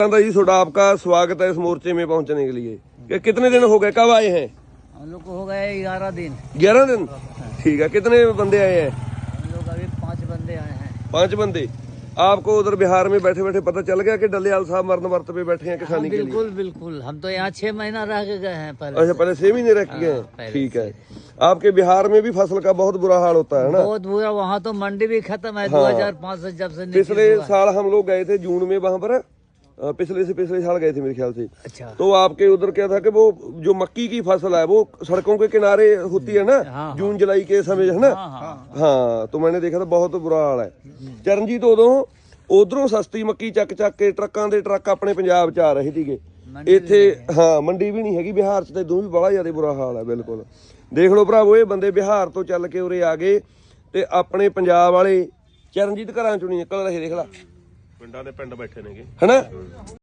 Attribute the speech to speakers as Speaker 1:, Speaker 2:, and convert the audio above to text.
Speaker 1: जी थोड़ा आपका स्वागत है इस मोर्चे में पहुंचने के लिए। कितने दिन हो गए, कब आए हैं?
Speaker 2: हम लोग को हो गए 11 दिन।
Speaker 1: 11 दिन, ठीक है। कितने बंदे आए हैं?
Speaker 2: हम लोग अभी 5 बंदे आए हैं।
Speaker 1: 5 बंदे। आपको उधर बिहार में बैठे बैठे पता चल गया कि डलियाल साहब मरण वर्त पे बैठे हैं किसानी के लिए?
Speaker 2: बिल्कुल बिल्कुल, हम तो यहाँ 6 महीना रह के गए हैं पहले।
Speaker 1: अच्छा, पहले 6 महीने रह के गए हैं, ठीक है। आपके बिहार में भी फसल का बहुत बुरा हाल होता है ना?
Speaker 2: बहुत बुरा, वहाँ तो मंडी भी खत्म है। 2005 से जब से
Speaker 1: पिछले साल हम लोग गए थे जून में वहां पर, पिछले साल गए थे मेरे ख्याल से।
Speaker 2: अच्छा।
Speaker 1: तो आपके उधर क्या था कि वो जो मक्की की फसल है वो सड़कों के किनारे होती है ना, जून जुलाई के समय, है ना? हाँ, तो मैंने देखा था बहुत बुरा हाल है। चरणजीत ਉਧਰੋਂ ਸਸਤੀ ਮੱਕੀ ਚੱਕ ਕੇ ਟਰੱਕਾਂ ਦੇ ਟਰੱਕ ਆਪਣੇ ਪੰਜਾਬ 'ਚ ਆ ਰਹੇ ਸੀਗੇ ਇੱਥੇ। ਹਾਂ, ਮੰਡੀ ਵੀ ਨਹੀਂ ਹੈਗੀ ਬਿਹਾਰ 'ਚ, ਤੇ ਇਦੋਂ ਵੀ ਬੜਾ ਜ਼ਿਆਦਾ ਬੁਰਾ ਹਾਲ ਹੈ। ਬਿਲਕੁਲ ਦੇਖ ਲਓ ਭਰਾਵੋ, ਇਹ ਬੰਦੇ ਬਿਹਾਰ ਤੋਂ ਚੱਲ ਕੇ ਉਰੇ ਆ ਗਏ ਤੇ ਆਪਣੇ ਪੰਜਾਬ ਵਾਲੇ ਚਰਨਜੀਤ ਘਰਾਂ 'ਚੋਂ ਨਹੀਂ ਨਿਕਲ ਰਹੇ। ਦੇਖ ਲਾ, ਪਿੰਡਾਂ ਦੇ ਪਿੰਡ ਬੈਠੇ ਨੇਗੇ, ਹਨਾ।